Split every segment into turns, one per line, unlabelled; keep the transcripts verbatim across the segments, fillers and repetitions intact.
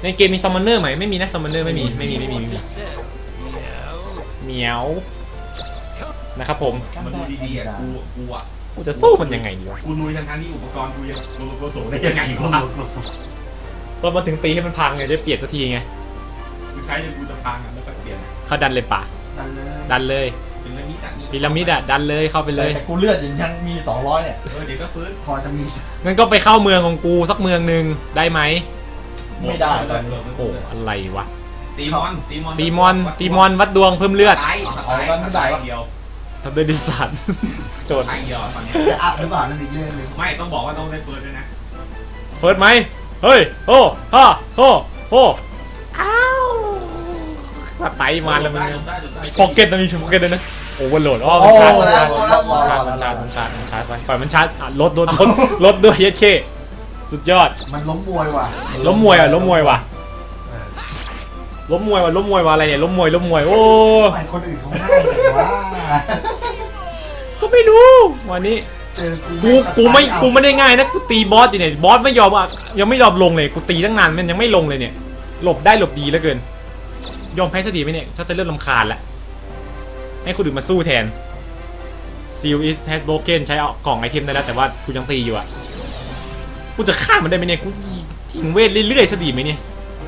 ในเกมมีซัมมอนเนอร์ไหมไม่มีนะซัมมอนเนอร์ไม่มีไม่มีไม่มีไม่มีเหมียวนะครับผม
มันดูดีๆอ่ะกูกูอ่ะ
กูจะสู้มันยังไงดีวะ
กูลุยทั้งๆที่อุปกรณ์กูยังกูกูสูงได้ยังไงวะ
เรามาถึงตีให้มันพังไงจะเปลี่ยนสักทีไง
กูใช้จนกูจะพังอ่ะแล้วก็เปลี่ยน
เขาดันเลยป่ะดันเลย
พีระมิดอ่ะ
พีระมิดอ่ะดันเลยเข้าไปเลย
แต่กูเลือดยังมีสองร้อยเนี่ย
เออเดี๋ยวก็ฟื้น
พอจะมี
งั้นก็ไปเข้าเมืองของกูสักเมืองหนึ่งได้ไหม
ไม่ได้
โอ้อะไรวะ
ตีมอนตีมอน
ตีมอนตีมอนวัดดวงเพิ่มเลือด
ตายตายไม่ได้เดียว
ทำได้ดิสันโจทย์
ตายเดียวตอนนี้
จะอัพหรือเปล่านั่นอีกเรื่องนึง
ไม่ต้องบอกว่าต้องได้เฟิร์สด้วยนะ
เฟิร์สไหมเฮ้ยโอ้ฮ่าโอ้โอ้อ้าวสไตล์มาแล้วมันพ็อกเก็ตมันมีพ็อกเก็ตด้วยนะโอ้วันโหลดอ๋อมันชาร์จมันชาร์จมันชาร์จมันชาร์จมันชาร์จมันชาร์จไปปล่อยมันชาร์จลดลดลดลดด้วยเยสเคสุดยอด
มันล้มมวยว่ะ
ล้มมวยอ่ะล้มมวยว่ะล้มมวยว่ะล้มมวยว่ะอะไรเนี่ยล้มมวยล้มมวยโอ้
คนอื่นเขาง่ายแต่ว่า
ก็ไม่รู้วันนี้กูกูไม่กูไม่ได้ง่ายนะกูตีบอสอยู่เนี่ยบอสไม่ยอมอ่ะยังไม่ยอมลงเลยกูตีตั้งนานมันยังไม่ลงเลยเนี่ยหลบได้หลบดีเหลือเกินยอมแพ้ซะดีไหมเนี่ยถ้าจะเริ่มรำคาญแล้วให้คนอื่นมาสู้แทน Seal is has broken ใช้เอากล่องไอเทมได้แล้วแต่ว่ากูยังตีอยู่อ่ะกูจะฆ่ามันได้ไหมเนี่ยกูทิ้งเวทเรื่อยๆซะดีไหมเนี่ย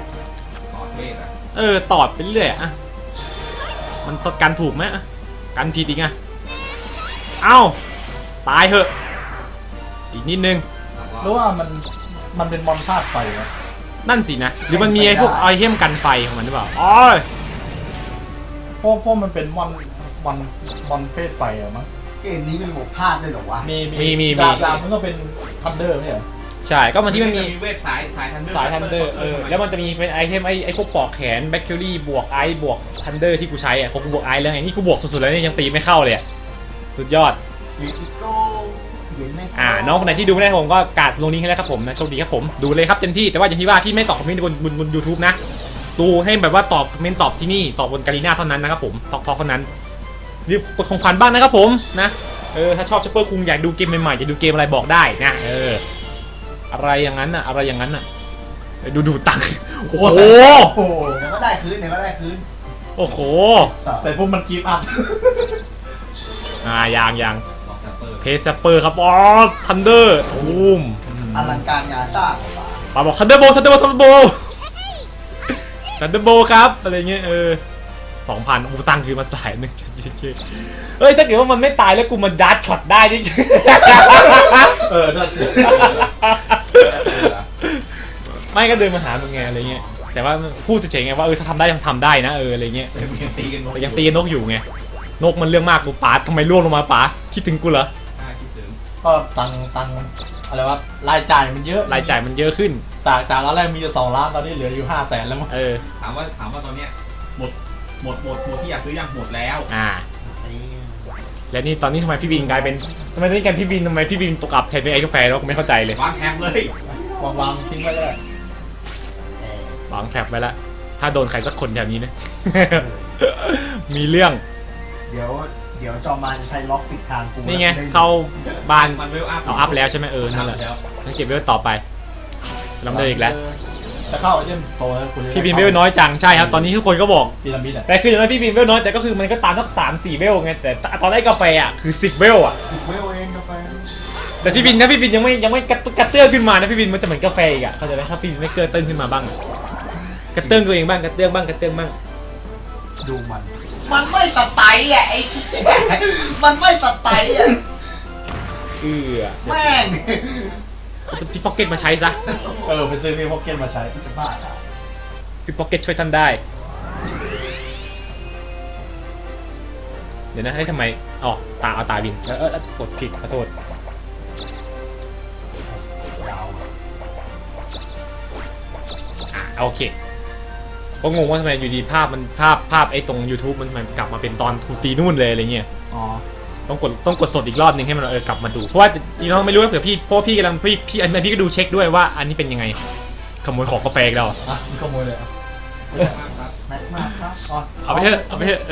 เออตอดไปเรื่อยอ่ะมันตอดกันถูกไหมกันผิดอีกไงเอ้าตายเหอะอีกนิดนึง
หรือว่ามันมันเป็นมอนธาตุไฟวะ
นั่นสินะหรือมันมีไอ้พวกไอเทมกันไฟของมันหรือเปล่าอ๋อ
เพราะเพราะมันเป็นมอนมอนมอนเพศไฟอะมั้ง
เกมนี้มันบวกพลาดด้วยหรอวะ
มีมีมี
ดาบดาบมันก็เป็นทันเดอร์ไม่ใช่
ใช่ก็มันที่มันมี
เวทสายสายทันเดอร์
สายทันเดอร์เออแล้วมันจะมีเป็นไอเทมไอไอพวกปอกแขนแบคทีรี่บวกไอบวกทันเดอร์ที่กูใช้อ่ะพอกูบวกไอแล้วไงนี่กูบวกสุดๆแล้วเนี่ยยังตีไม่เข้าเลยอ่ะสุดยอดอ่าน้องคนไหนที่ดูไม่ได้ผมก็กาดลงนี้ให้แล้วครับผมนะโชคดีครับผมดูเลยครับเต็มที่แต่ว่าอย่างที่ว่าพี่ไม่ตอบคอมเมนต์บนบนบนยูทูบนะดูให้แบบว่าตอบคอมเมนต์ตอบที่นี่ตอบบนการีน่าเท่านั้นนะครับผมทอกทอกเท่านั้นรีบกดของขวัญบ้างนะครับผมนะเออถ้าชอบซูเปอร์คุงอยากดูเกมใหม่ๆจะดูเกมอะไรบอกได้นะเอออะไรอย่างนั้นน่ะอะไรอย่างนั้นน่ะดูดูตังโอ้โห
เดี๋ยวก็ได้คืนเดี๋ยวก็ได้คืน
โอ้โห
แต่พวกมันกีบอัพ
อ่ายางยางเพสเปอร์ครับอ๋อทันเดอร์ตูม
อลังการงานสร้าง
ปาบอกทันเดอร์โบทันเดอร์โบทันเดอร์โบทันเดอร์โบครับอะไรเงี้ยเออสองพันอูตังคือมาสายหนึ่งจุดยี่สิบเอ้ยถ้าเกิดว่ามันไม่ตายแล้วกูมันดัดช็อตได้ดิ
เออน่าจะ
ไม่ก็เดินมาหามึงไงอะไรเงี้ยแต่ว่าพูดเฉยๆไงว่าเออถ้าทำได้ยังทำได้นะเอออะไรเงี้ยแต่ยังตีนกอยู่ไงนกมันเรื่องมากกูป๋าทำไมร่วงลงมาป๋าคิดถึงกูเหรอ
ก็ตังตังอะไรวะรายจ่ายมันเยอะ
รายจ่ายมันเยอะขึ้น
จากจากตอนแรกมีสองล้านตอนนี้เหลืออยู่ห้าแสนแล้วมั้ง
เออ
ถามว่าถามว่าตอนเนี้ยหมดหมดหมดหมดที่อยากซื้อยังหมดแล้ว
อ่าแล้วนี่ตอนนี้ทำไมพี่บินกลายเป็นทำไมตอนนี้กันพี่บินทำไมพี่บินตกอับแทนเป็นไอ้กาแฟแล้วกูไม่เข้าใจเลยว
างแถบเลยว
างวางทิ้งไว้เล
ยวางแถบไว้แล้วถ้าโดนใครสักคนแถวนี้นะมีเรื่อง
เดี๋ยวเดี๋ยวจอมมาจะใช้ล็อกปิดทางกู
นี่ไงเข้าบ้าน
มันเวลอัพ
เอาอัพแล้วใช่ไหมเออนั่นแหละงั้นเก็บไว้ต่อไปลำเดินอีกแล้ว
จะเข้าไอเทมโตแล้ว
พี่บินเวลน้อยจังใช่ครับตอนนี้ทุกคนก็บอก
พีระมิด
แต่คืออย่างน้อยพี่บินเวลน้อยแต่ก็คือมันก็ตามสักสามสี่เวลไงแต่ตอนได้กาแฟอ่ะคือสิบเวลอ่ะ
สิบเวลเองกาแฟ
แต่พี่บินนะพี่บินยังไม่ยังไม่กระเตื้องขึ้นมานะพี่บินมันจะเหมือนกาแฟอีกอ่ะเข้าใจไหมถ้าพี่บินไม่เกิดเตื้องขึ้นมาบ้างกระเตื้องตัวเองบ้างกระเตื้องบ้างกระเตื้องบ้าง
ดูมันมันไม่สไตล์อ่ะไอ้มันไม่สไตล์อ่ะ
เออ
แม่ง
พี่พ็อกเก็ตมาใช้ซะ
เออไปซื้อพี่พ็อกเก็ตมาใช้
จะบ้าอ่ะ
พี่พ็อกเก็ตช่วยท่านได้เดี๋ยวนะให้ทำไมอ๋อตาเอาตาบินแล้วเออกดผิดขอโทษอ่ะโอเคก็งงว่าทำไมอยู่ดีภาพมันภาพภาพไอ้ตรง YouTube มันมันกลับมาเป็นตอนกูตีนู่นเลยอะไรเงี้ย
อ๋อ
ต้องกดต้องกดสดอีกรอบนึงให้มันเออกลับมาดูเพราะว่าจริงๆเราไม่รู้เผื่อพี่เพราะพี่กำลังพี่พี่อันนี้พี่ก็ดูเช็คด้วยว่าอันนี้เป็นยังไงขโมยของกาแฟเรา
อ่ะมีขโมยเลยอ่ะ
แม็กมาครับ
เอาไปเถอะเอาไปเถอะ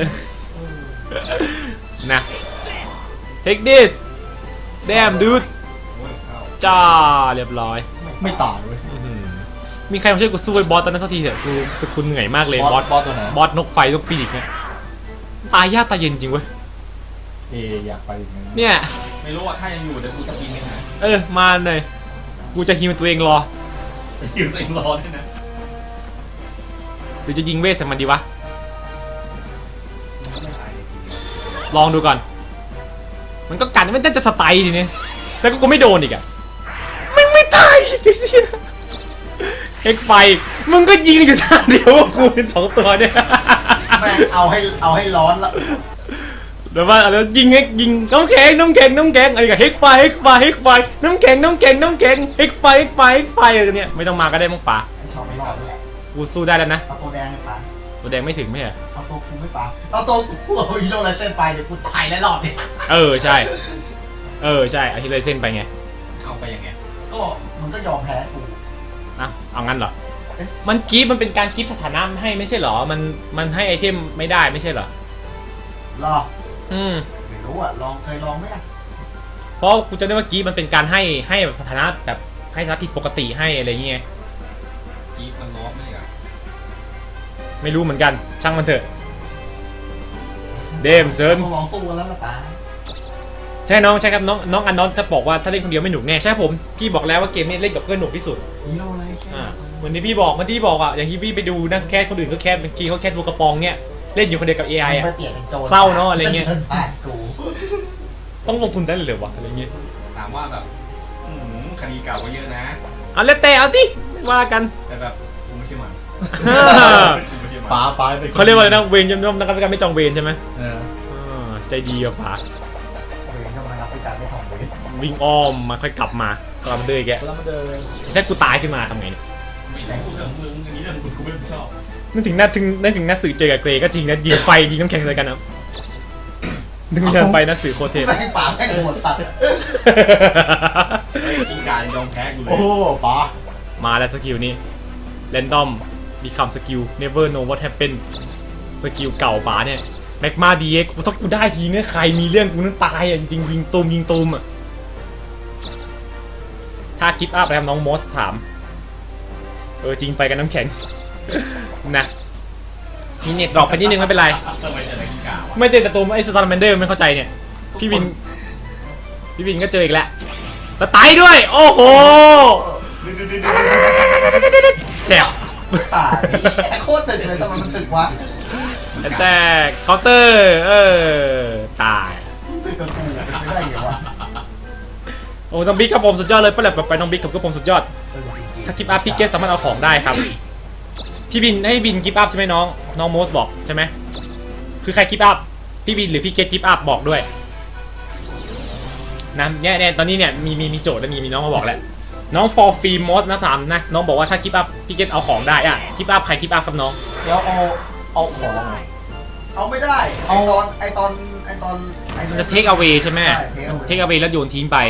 นะ take this damn dude จ้าเรียบร้อย
ไม่ต่างเลย
มีใครมาช่วยกูสู้ไอ้บอสตอนนั้นสักทีเถอะกูรู้สึกกูเหนื่อยมากเลยบอส
บอสตัวไหน
บอสนกไฟนกฟีนิกซ์เนี่ยตายยากตายเย็นจริงเว้ย
เออยากไปอย่างนั้น
เนี่ย
ไม่รู้ว่าถ้ายังอยู่เดี๋ยวกูจะปีนไปหา
เออมาหน่อยกูจะฮิวตัวเองรอ
อยู่ตัวเองรอด้วยนะ
หรือจะยิงเวทใส่มันดีวะลองดูก่อนมันก็กัดมันน่าจะสไตล์ทีนี้แล้วก็กูไม่โดนอีกอะมึงไม่ตายไอ้เสียเอ็กไฟมึงก็ยิงอยู่ท่าเดียวกูเป็นสองตัวเนี่ย
แม่งเอาให้เอาให้ร้อนละ
เดี๋ยวว่าแล้วยิงเอ็กยิงน้ำแข็งน้ำแข็งน้ำแข็งอะไรกับเฮกไฟเฮกไฟเฮกไฟน้ำแข็งน้ำแข็งน้ำแข็งเฮกไฟเฮกไฟเฮกไฟอะไรเนี่ยไม่ต้องมาก็ได้มั้งป่า
ไอ้ชอบไม่รอดเลย
กูสู้ได้แล้วนะ
เอาตัวแดงไปปะ
ตัวแดงไม่ถึงไม่ใช่เหรอ
เอาตัวกูไม่ปะเอาตัวกูเอาฮีโร่ไรเส้นไปเดี๋ยวกูตายแล้วรอบเนี่ย
เออใช่เออใช่เอาที่เลยเส้นไปไง
เอาไปยังไง
ก็มันก็ยอมแพ้กู
นะเอางั้นเหรอ
เอ๊ะ
มันกิฟต์มันเป็นการกิฟต์สถานะให้ไม่ใช่เหรอมันมันให้ไอเทมไม่ได้ไม่ใช่เหรอ
รอ
อืม
ไม่รู้อ่ะลองเคยลองไหมอ่ะ
เพราะกูจำได้ว่ากิฟต์มันเป็นการให้ให้สถานะแบบให้สถานะผิดปกติให้อะไรเงี้ย
กีฟมันล้อมไม่ได้เหรอ
ไม่รู้เหมือนกันช่างมันเถอะเดมเซิร์น
ต้องลองสู้กันแล้วล่ะปะ
ใช่น้องใช่ครับน้องน้องอันนอนจะบอกว่าถ้าเล่นคนเดียวไม่หนุกแน่ใช่ผมพี่บอกแล้วว่าเกมนี้เล่นกับเพื่อนหนุกที่สุด
ฮีโร่ไรเส้น
อ่าเหมือนที่พี่บอกเหมือนที่บอกอ่ะอย่างที่พี่ไปดูนะแคสคนอื่นก็แคสเป็นกีเขาแคสดูกระปองเนี่ยเล่นอยู่คนเดียวกับ เอ ไอ อ่ะ
ไปเปลี่ยนเป็นโจร
เศร้าเนอะอะไรเงี้ย
ดินผ่านกู
ต้องลงทุนได้เลยเหรอวะอะไรเงี้ย
ถามว่าแบบอืมคดีเก่าก็เยอะนะ
เอาแล้วแต่เอาดิไม่ว่ากัน
แต่แบบกูไม่ใช่มันกูไม่ใช่มัน
ป๋าป๋าเป็น
เขาเรียกว่าอะไรนะเวรยำยำนักการไม่จองเวรใช่ไหม
เออ
อ่าใจดีกับป๋า
เวรก็มารับไปการได้ทองเลย
วิ่งอ้อมมาค่อยกลับมาสลัมเดอร์แก
แล้วมาเดิน
ถ้ากูตายขึ้นมาทำไงเนี่ย
ไม่ใช่กูเรื่องมึงอันนี้เรื่องมึงกูไม่ชอบ
นึกถึงหน้าถึงนึกถึงหน้าสื่อเจอกับเกรก็จริงนะยิงไฟยิงน้ำแข็งใส่กันนะนึกย้อนไปหน้าสื่อโคตรเทพ
แม่งป่าแม่งโหดสัตว์อะ
ไอ้กินการยอมแพ้กูเลย
โอ้ป๋า
มาแล้วสกิลนี้ random become skill never know what happen สกิลเก่าป๋าเนี่ยแม็กมาดีเอ็กถ้ากูได้ทีเนี่ยใครมีเรื่องกูนั้นตายอ่ะจริงๆยิงตูมยิงตูมอ่ะถ้ากิฟต์อัพแล้วน้องมอสถามเออจริงไฟกับน้ำแข็ง นะมีเน็ตดรอปไปนิดนึงไม่เป็นไร
ทำไมจะได้กินกาวะ
ไม่เจอแต่ตัวไอ้สตาร์แมนเดอร์ไม่เข้าใจเนี่ยพี่วินพี่วินก็เจออีกแล้วแล้วตายด้วยโอ้โหแดบ
ตายไอ้โคตรถึกเลยทำไมมันถึกวะ
แต่เคาน์เตอร์เออตาย
ถึกกับกูเป็นไม่ได้เหรอวะ
โอ้น้องบิ๊กครับผมสุดยอดเลยป้าแหลบไปน้องบิ๊กกับผมสุดยอด
เออจริงๆ
ถ้ากิฟต์อัพพี่เกสสามารถเอาของได้ครับพี่วินให้วินกิฟต์อัพใช่ไหมน้องน้องโมสบอกใช่ไหมคือใครกิฟต์อัพพี่วินหรือพี่เกสกิฟต์อัพบอกด้วยนะเนี่ยเนี่ยตอนนี้เนี่ยมีมีมีโจทย์แล้วมีมีน้องมาบอกแล้วน้อง for free most นะถามนะน้องบอกว่าถ้ากิฟต์อัพพี่เกสเอาของได้อะกิฟต์อัพใครกิฟต์อัพครับน้อง
แล้วเอาเอาของไง
เอาไม่ได้ไอตอนไอตอนไอตอนไอ
มันจะ take away ใช่ไหม
ใช่ take away
take away แล้วโยนทิ้งไป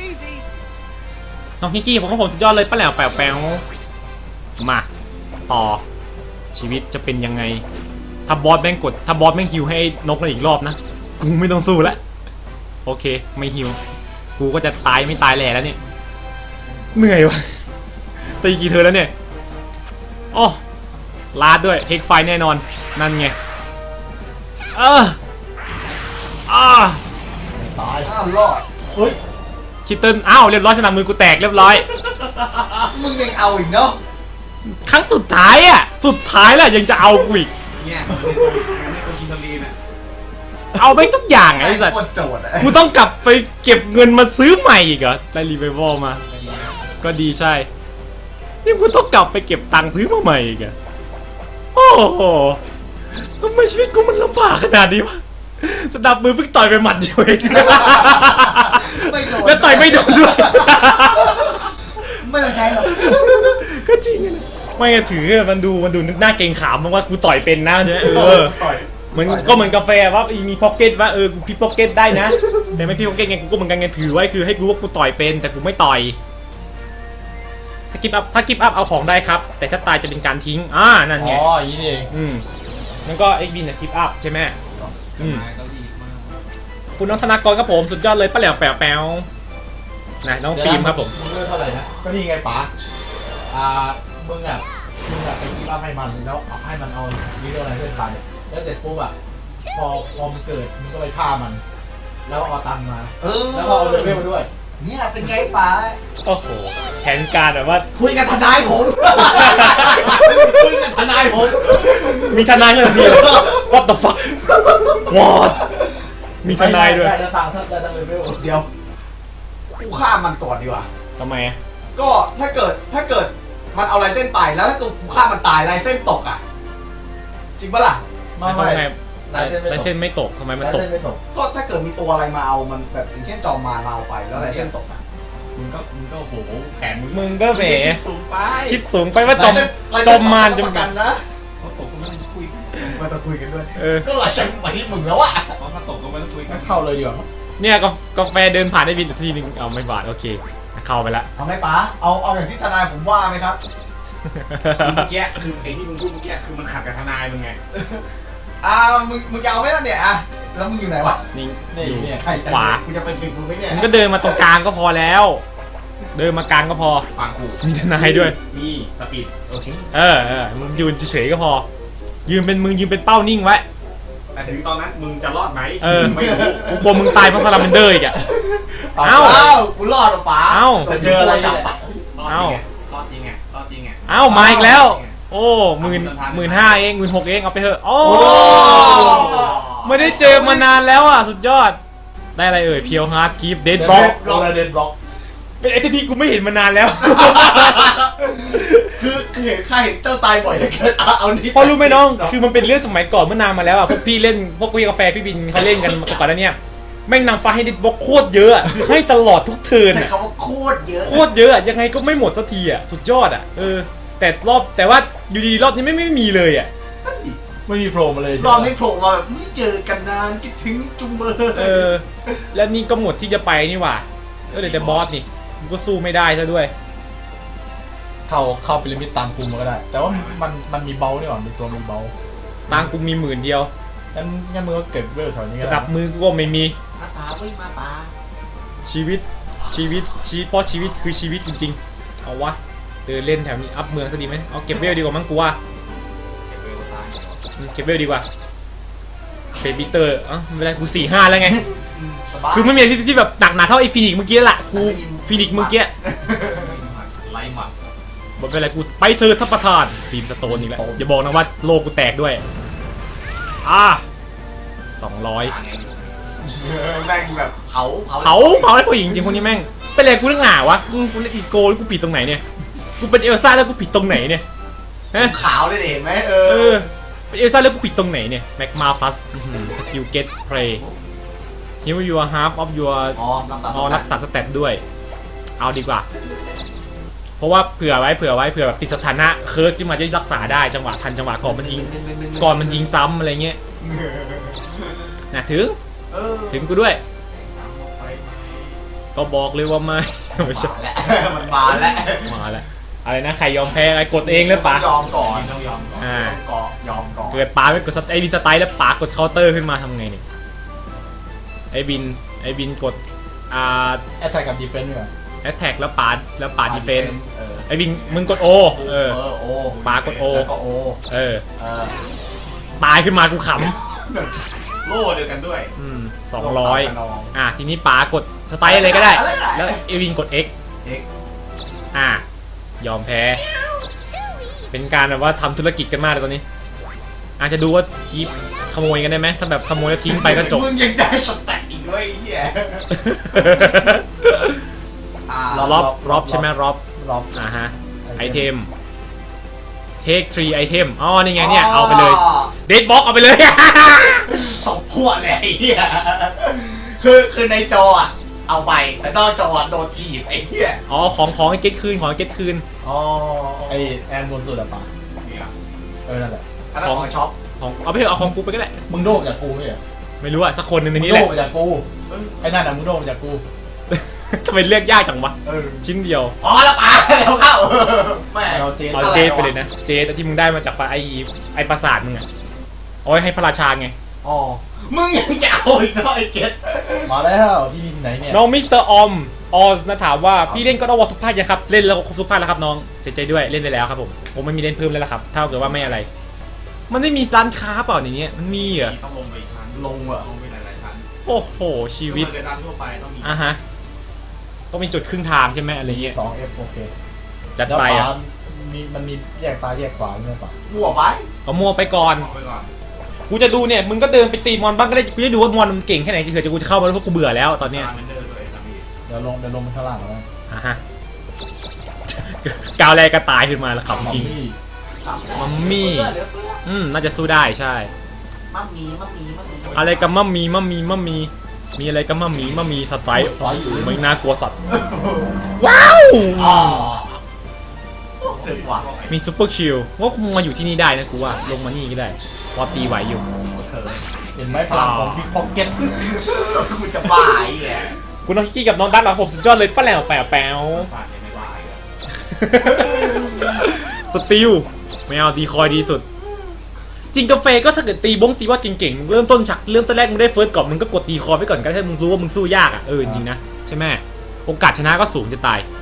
น้องพิงกี้ผมก็ผมสุดยอดเลยป้าแหลวแปลวแปลวมาต่อชีวิตจะเป็นยังไงถ้าบอสแม่งกดถ้าบอสแม่งฮิวให้นกนั่นอีกรอบนะกูไม่ต้องสู้แล้วโอเคไม่ฮิวกูก็จะตายไม่ตายแหล่แล้วเนี่ยเหนื่อยวะตีกี่เธอแล้วเนี่ยโอ้ลาดด้วยเฮกไฟแน่นอนนั่นไงเอออ่า
ตาย
อ้าวรอด
เฮ้ย
คิตเติ้ลอ้าวเรียบร้อยสนามมือกูแตกเรียบร้อย
มึงยังเอาอีกเนาะ
ครั้งสุดท้ายอ่ะสุดท้ายแล้วยังจะเอากูอีก
เนี่ยมันไม่คนกินทะเลน่ะ
เอาไปทุกอย่างไอ้สัตว์
โคตรโจดอะ
กูต้องกลับไปเก็บเงินมาซื้อใหม่อีกเหรอได้รีไววอลมา ก็ดีใช่นี่กูต้องกลับไปเก็บตังค์ซื้อมาใหม่อีกอะโอ้โหทำไมชีวิตกูมันลำบากขนาดนี้วะสนับมือเพิ่งต่อยไปหมัดเดียวเอง
ไม่โดน
แล้วต่อยไม่โดนด้วย
ไม่ต้องใช้หรอก
ก็จริงอะนะไม่ไงถือมันดูมันดูน่าเกรงขามมากว่ากูต่อยเป็นนะใช่ไหมเออ
ต่อย
เหมือนก็เหมือนกาแฟว่ามีพ็อกเก็ตว่าเออกูพิพ็อกเก็ตได้นะแต่ไม่พิพ็อกเก็ตไงกูก็เหมือนกันไงถือไว้คือให้รู้ว่ากูต่อยเป็นแต่กูไม่ต่อยถ้ากิฟต์อัพถ้ากิฟต์อัพเอาของได้ครับ แต่ถ้าตายจะเป็นการทิ้งอ่านั่น
อ๋
ไง
ออย่างนี้นี่เอง
อืมมันก็เอ็กบินเนี่ยกิฟต์อัพใช่ไหมอืม
นายก็ดีมาก
คุณน้องธนากรครับผมสุดยอดเลยป้าแหลวแป๋วแป๋วนะน้องฟิล์มครับผม
มึงเลือกเท่าไหร่นะก็นี่ไงป๋าอ่ามึงอ่ะมึงอ่ะไปกีบอัพให้มันแล้วเอาให้มันเอาวิดีโออะไรเส้นไปแล้วเสร็จปุ๊บอ่ะพอพอมันเกิดมึงก็ไปฆ่ามัน แล้วเอาตังค์มา
เออ
แล้วก็เอาเลเวลมาด้วย
เนี่ยเป็นไงป๋า
โอ้โหแผนการแบบว่า
คุยกับทนายผมคุยกับทนายผม
มีทนายทันทีเลย what the fuck what มีทนายด้วย
ได้ได้ตังค์ได้ตังค์เลเวล
เดี๋ยวกูฆ่ามันก่อนดีกว่า
ทำไมอะ
ก็ถ้าเกิดถ้าเกิดมันเอาลายเส้นไปแล้วถ้าเกิดกูฆ่ามันตายลายเส้นตกอ่ะจริงปะล่ะ
ไม่
ทำ
ไม่
ไม
ลายเส้นไม่ตก
ลายเส้นไม่ตกทำไมมัน
ลาย
ตก
เส้นไม่ตก
ก็ถ้าเกิดมีตัวอะไรมาเอามันแบบอย่างเช่นจอมมารมาเอาไปแล้วลายเส้นตกอ่ะ
มึงก็มึงก็โอ้โหแผนมึง
มึงก็แหม
คิดสูงไป
คิดสูงไปว่าจอม
ลาย
จ
เส้
อน มมาร
ลย
จ
เส้
ม
นตกประกันนะ
เขาตกก็ไม่ต้องคุยกัน
มาตะคุยกันด้วย
เออ
ก็ลายเส้นมาที่มึงแล้วอะ
เพราะถ้าตกก็ไม่ต้องคุยกัน
เข้าเลยดีกว่า
เนี่ยกาแกาแฟเดินผ่านได้บินทีนึงเอาไม่บาดโอเคเข้าไปละ
เอาไหมป๋าเอาเอาอย่างที่ทนายผมว่าไหมครับ
เมื่อกี้คือไอ้ที่มึงพูดเมื่อกี้คือมันขัดกับทนายมึงไง
อ่ามึงมึงจะเอาไหมล่ะเนี่ยอ่ะแล้วมึงอยู่ไหนวะ
นี่
นี่
อยู่
เนี่ย
ใช่จัง
ขวา
กูจะไปถึงมึงไหมเนี่ย
มึงก็เดินมาตรงกลางก็พอแล้ว เดินมากลางก็พอ
ฟังกู
มีทนายด้วย
มีสปีดโอเค
เออเออมึงยืนเฉยๆก็พอ ยืนเป็นมึงยืนเป็นเป้านิ่งไว้
แต่ถึงตอนนั้นมึงจะรอดไหม
เออ
ไม่รู้
กูกลัวมึงตายเพราะซาลาเมนเดอร์อีกอะ เอ้า
เอ้ากูรอดหรอป๋า
เอ้า
แต่เจออะไรจับ
รอดจริงไงรอดจริงไงรอดจริงไง
เอ้ามาอีกแล้ว โอ้หมื่นหมื่นห้าเองหมื่นหกเองเอาไปเถอะโอ้
โอ้
ไม่ได้เจอมานานแล้วอ่ะสุดยอด ได้อะไรเอ่ยเพียวฮาร์ดคีฟเดด
เดน
บบ ล็
ล็
อ
อก กโรเดนบล็อก
เป็นไอ้ที่กูไม่เห็นมานานแล้ว
คือคือเห็นข้าเห็นเจ้าตายบ่อยเหลือเกินเอาเอานี่
พอรู้ไหมน้อง คือมันเป็นเรื่องสมัยก่อนเมื่อนานมาแล้วอ่ะ พวกพี่เล่น พวกพี่กาแฟพี่บินเขาเล่นกันก่อนแล้วเนี่ยแม่งนำฟ้าให้ดิดบล็อกโคตรเยอะอะคือให้ตลอดทุกเทิร์น
ใช้
อะ
คำว่าโคตรเยอะ
โคตรเยอะอะยังไงก็ไม่หมดสักทีอ่ะ สุดยอดอ่ะ เออ แต่รอบ แต่ว่าอยู่ดีรอบนี้ไม่ไม่มีเลยอ่ะ
ไม่มีโผล่มาเลย
รอบนี้โผล่มาแบบไม่เจอกันนานคิดถึงจุงเบอร์
เออ แล้วนี่ก็หมดที่จะไปนี่หว่าเออเดี๋ยวแต่บอสนี่กูก็สู้ไม่ได้ซะด้วย
เข้าเข้าพีระมิดตามกูมาก็ได้ แต่ว่ามันมันมีเบลนี่หว่ามีตัวมีเบล
ตังค์กูมีหมื่นเดียว
งั้นงั้นมึงก็เก็บเวลแถวนี้
ส
ก็
นั
ได้
บมือกูก็ไม่มี
มาตาเว้ยมาตา
ชีวิตชีวิตชีเพราะชีวิตคือชีวิตจริงๆ เอาวะเดินเล่นแถวนี้อัพเมืองซะดีไหมเอาเก็บเวลดีกว่ามั้งกูว่า
เก็บเวลตาย
อืมเก็บเวลดีกว่าเบบี้เตอร์อ่ะไม่เป็นไรกูสี่ห้าแล้วไง
สบาย
คือไม่มีอะไรที่ที่แบบหนักหนาเท่าไอ้ฟีนิกซ์เมื่อกี้แหละกูฟีนิกซ์เมื่อกี้
ไล่หมัด
บอกเป็นไรกูไปเธอทัพประธานทีมสโตนอีกแล้วอย่าบอกนะว่าโลกูแตกด้วยอ่ะสองร้อย
ตายไง
แม่งแบบเผาเผา
เผาเผาได้ผู้หญิงจริงคนนี้แม่งเป็นไรกูเรื่องหนาวะอืมกูเล่นอีโก้แล้วกูผิดตรงไหนเนี่ยกูเป็นเอลซ่าแล้วกูผิดตรงไหนเนี่ยฮะ
ขาวเลยเห็นไหมเอ
เอ
อ
อเป็นเอลซ่าแล้วกูผิดตรงไหนเนี่ยแม็กมาพลัสสกิลเก็ตเพลย์ฮิวยูฮาร์ฟออฟยู
อ๋อรักษา
อ๋อรักษาสเตตด้วย เอาดีกว่า เพราะว่าเผื่อไว้เผื่อไว้เผื่อแบบติดสถานะเคิร์สที่มาจะรักษาได้จังหวะทันจังหวะก่อนมันยิงก่อนมันยิงซ้ำอะไรเงี้ยนะถึง
เออ
ถึงกูด้วย ก็บอกเลยว่าไม่ ไม่ใช่
มาแล้วมันมาแล้ว
มาแล้วอะไรนะใครยอมแพ้อะไรกดเองเลยปะ
ยอมก่อน
ต้องยอมก่อน
อ่า
ก่อนยอมก่อน
เกิดปาไม่กดสไอบินสไตล์แล้วปากดเคาน์เตอร์ขึ้นมาทำไงเนี่ยไอบินไอบินกดอ่า
แอตแทกกับดีเฟนต์ด้วย
แอตแทกแล้วปาดแล้วปาดดีเฟน
เออ
ไอบินมึงกดโอเออ
เออโอ
ปากดโอ
แล้วก็โอ
เออ
เออ
ตายขึ้นมากูข
โล่เดียวกันด้วย
ำอืมสองร้อยอ่ะทีนี้ปากดสไตล์อะไรก็ได้ แล้วเอวินกด X
เอ็ก
อ่ะยอมแพ้ เป็นการแบบว่าทำธุรกิจกันมากเลยตอนนี้ อาจจะดูว่ากีบขโมยกันได้ไหมถ้าแบบขโมยแล้วทิ้งไปก็จบ
มึงยังได้สแต็กอีกด้วยไอ้เหี้ยอ่าร
อบรอบใช่ไหมรอบ
รอบ
อ่าฮะไอเทม take three item อ๋อนี่ไงเนี่ยเอาไปเลยเดดบ็อกเอาไปเลย
สองพวกเลยไอ้เหี้ยคือคือในจออ่ะเอาไปแต่นอกจออะโดนจีบไอ้เหี้ย
อ๋อของของไอ้เก็ตคืนของไอ้เก็ตคืน
อ๋อไอแอนบนสุดอะป่ะ
นี่อ่ะ
เออนั่นแหละ
อันนั้นของช็อป
ของเอาไปเถอะเอาของกูไปก็ได้
มึงโดนจากกูไม่ใช่เหรอ
ไม่รู้อะสักคนหนึ่งใน
มึง
นี้
โด
แหละ
นมาจากกูไอ้นั่นอะมึงโดนมาจากกู
ทำไมเลือกยากจังวะ
เออ
ชิ้นเดียว
พอแล้วป๋าแล้วเข้าแม่
เอาเจน
เอาเจดไปเลยนะ เจดที่มึงได้มาจากไอไอปราสาทมึงอะเอาไว้ให้พระราชาไง
อ๋อ
มึงยังจะเอาอีกเนาะไอ้เกต
มาแล้วที่นี่ที่ไหนเนี่ย
น้องมิสเตอร์ออมออสนะถามว่าพี่เล่นก็ต้องวอทุกภาคยังครับเล่นแล้วครบทุกภาคแล้วครับน้องเสียใจด้วยเล่นไปแล้วครับผมผมไม่มีเล่นเพิ่มแล้วล่ะครับถ้าเกิดว่าไม่อะไร มันไม่มีร้านค้าเปล่าในนี้มันมีเหรอ
ต้องลงไปอีกชั้น
ลงอะ
ลงไปหลายๆชั้น
โอ้โหชีวิต
เกิดร้านทั่วไปต้องมี
อ่ะฮะต้องมีจุดครึ่งทางใช่ไหมอะไรเงี้ย
สองเอฟโอเค
จัด
แล้ว
ไป
ข
อ่ะ
วามีมันมีแยกซ้ายแยกขวาใช่ไหมปะ
มั่วไป
เอามัวไปก่อน
ออกไปก่อน
กูจะดูเนี่ยมึงก็เดินไปตีมอนบ้างก็ได้กูจะดูว่ามอนมันเก่งแค่ไหนที่เผื่อจะกูจะเข้ามาแล้วเพราะกูเบื่อแล้วตอนเนี้ย
ตามเมนเดอร์ด้วยนะพี่
เดี๋ยวลงเดี๋ยวลงไปข้างล่างแล้ว
อ่ะฮะกาวแรกก็ตายขึ้นมาแล้วขับจริง มัมมี่
เพื่อนเหลือเพื่อน
อืมน่าจะสู้ได้ใช่
มัมมี่มัมมี่มัมมี่
อะไรกับมัมมีมัมมีมัมมีมีอะไรกับมัมมีมัมมีสไตล์
สไตล์อยู่
ไม่น่ากลัวสัตว์ว้าว
อ๋อถึงว่ะ
มีซูเปอร์คิวว่าคงมาอยู่ที่นี่ได้นะกูว่าลงมานี่ก็ได้พอตีไหวอยู่
เคย
เห็นไหมพลังของพิกพ็อกเก็ต
คุณจะบ้าไอ้เหี้ย
คุณน้องกี้กับน้องดักหลังผมสุดยอดเลยป้าแหลวแปวแปว
ฝากยังไม่ว่าอีกอะ
สติลไม่เอาดีคอยดีสุด จริงกาแฟก็ถ้าเกิดตีบงตีว่าเก่งๆมึงเริ่มต้นฉักเริ่มต้นแรกมึงได้เฟิร์สก่อนมึงก็กดตีคอไปก่อนก็ได้ถ้ามึงรู้ว่ามึงสู้ยากอ่ะเออจริงๆนะใช่ไหมโอกาสชนะก็สูงจะตาย